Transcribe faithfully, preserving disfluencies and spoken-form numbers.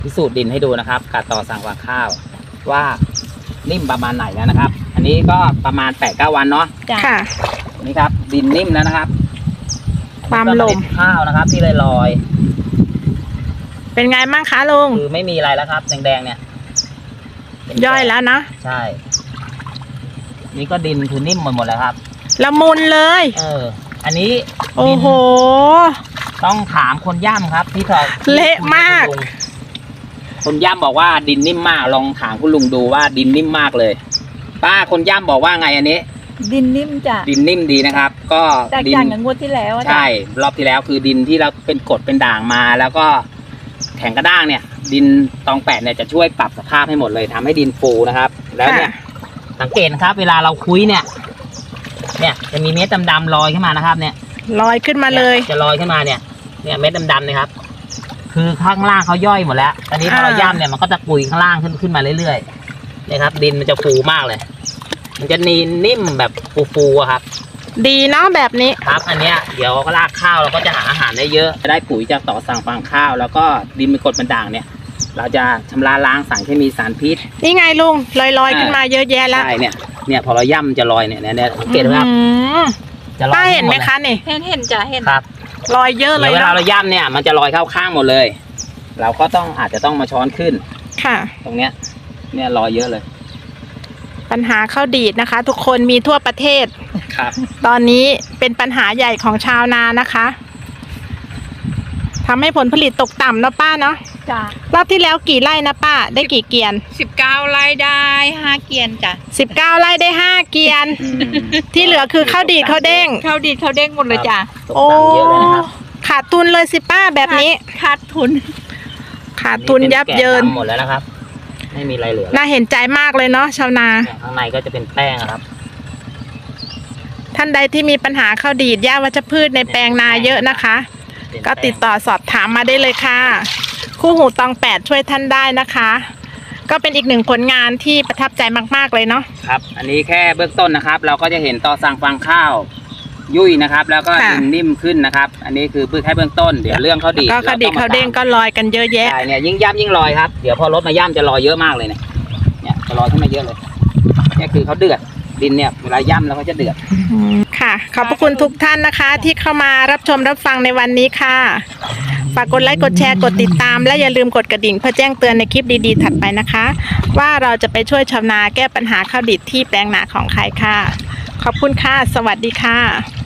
พิสูจน์ดินให้ดูนะครับการต่อสั่งวางข้าวว่านิ่มประมาณไหนแล้วนะครับ อันนี้ก็ประมาณแปดเก้าวันเนาะค่ะนี่ครับดินนิ่มแล้วนะครับความลมข้าวนะครับ ที่ลอยเป็นไงบ้างคะลุงๆคือไม่มีอะไรแล้วครับแดงๆเนี่ยย่อยแล้วนะใช่ นี่ก็ดินคือนิ่มหมดหมดแล้วครับละมุนเลยเออ อันนี้โอ้โหต้องถามคนย่ำครับที่ถอดเละมากคนย่ำบอกว่าดินนิ่มมากลองถามคุณลุงดูว่าดินนิ่มมากเลย ป้าคนย่ำบอกว่าไงอันนี้ดินนิ่มจ้ะดินนิ่มดีนะครับ ก็แตกดิต่างกับงวดที่แล้วอะจ้ะใช่รอบที่แล้วคือดินที่เราเป็นกรดเป็นด่างมา แล้วก็แข็งกระด้างเนี่ย ดินตองแปดเนี่ยจะช่วยปรับสภาพให้หมดเลยทำให้ดินฟูนะครับ แล้วเนี่ย สังเกตนะครับ เวลาเราคุยเนี่ย เนี่ยจะมีเม็ดดำๆลอยขึ้นมานะครับ เนี่ยลอยขึ้นมาเลยจะลอยขึ้นมาเนี่ย เนี่ยเม็ดดำๆนะครับ คือข้างล่างเขาย่อยหมดแล้ว ตอนนี้พอเราย่ำเนี่ยมันก็จะปุยข้างล่างขึ้นขึ้นมาเรื่อยๆเนี่ยครับ ดินมันจะฟูมากเลย มันจะนีนิ่มแบบฟูๆอะครับดีเนาะแบบนี้ครับ อันเนี้ยเดี๋ยวรากข้าวเราก็จะหาอาหารได้เยอะ จะได้ปุ๋ยจากต่อสั่งฟางข้าว แล้วก็ดินเป็นกรดเป็นด่างเนี่ย เราจะชำระล้างสารเคมีสารพิษนี่ไงลุงลอยลอยๆขึ้นมาเยอะแยะแล้วใช่เนี่ย เนี่ยพอเราย่ำจะลอยเนี่ยเนี่ยเนี่ยสังเกตไหมครับอืมจะลอยป้าเห็นไหมคะนี่เห็นเห็นจ้ะเห็นครับลอยเยอะเลเดี๋ยยวเวลาเนาะเราย่ำเนี่ยมันจะลอยเข้าข้างหมดเลย เราก็ต้องอาจจะต้องมาช้อนขึ้นค่ะตรงเนี้ย เนี่ยลอยเยอะเลยปัญหาข้าวดีดนะคะ ทุกคนมีทั่วประเทศครับตอนนี้เป็นปัญหาใหญ่ของชาวนานะคะทำให้ผลผลิตตกต่ำเนาะป้าเนาะจ้ะรอบที่แล้วกี่ไร่นะป้า ได้กี่เกียนสิบเก้าไร่ได้ห้าเกียนจ้ะสิบเก้าไร่ได้ห้าเกียนอืมที่เหลือคือข้าวดีดข้าวเด้งข้าวดีดข้าวเด้งหมดเลยจ้ะตกต่ำเยอะเลยนะครับขาดทุนเลยสิป้าแบบนี้ขาดทุนขาดทุนยับเยินแกะดำหมดแล้วนะครับ ไม่มีอะไรเหลือแล้วน่าเห็นใจมากเลยเนาะชาวนาเนี่ยข้างในก็จะเป็นแป้งอะครับท่านใดที่มีปัญหาข้าวดีดหญ้าวัชพืชในแปลงนาเยอะนะคะเป็นก็แป้งติดต่อสอบถามมาได้เลยค่ะ คู่หูตองแปดช่วยท่านได้นะคะ ก็เป็นอีกหนึ่งผลงานที่ประทับใจมากๆเลยเนาะครับ อันนี้แค่เบื้องต้นนะครับ เราก็จะเห็นต่อสั่งฟางข้าว ยุ่ยนะครับ แล้วก็ค่ะดินนิ่มขึ้นนะครับ อันนี้คือเพื่อแค่เบื้องต้น เดี๋ยวเรื่องข้าวดีดก็ข้าวดีดข้าวเด้งก็ลอยกันเยอะแยะใช่เนี่ยยิ่งย่ำยิ่งลอยครับ เดี๋ยวพอรถมาย่ำจะลอยเยอะมากเลยเนี่ย เนี่ยจะลอยขึ้นมาเยอะเลย เนี่ยคือเขาเดือด ดินเนี่ยเวลาย่ำแล้วเขาจะเดือดค่ะ ขอบพระคุณทุกท่านนะคะ ที่เข้ามารับชมรับฟังในวันนี้ค่ะ ฝากกดไลค์กดแชร์กดติดตาม และอย่าลืมกดกระดิ่งเพื่อแจ้งเตือนในคลิปดีๆถัดไปนะคะ ว่าเราจะไปช่วยชาวนาแก้ปัญหาข้าวดิบที่แปลงนาของใครค่ะ ขอบคุณค่ะ สวัสดีค่ะ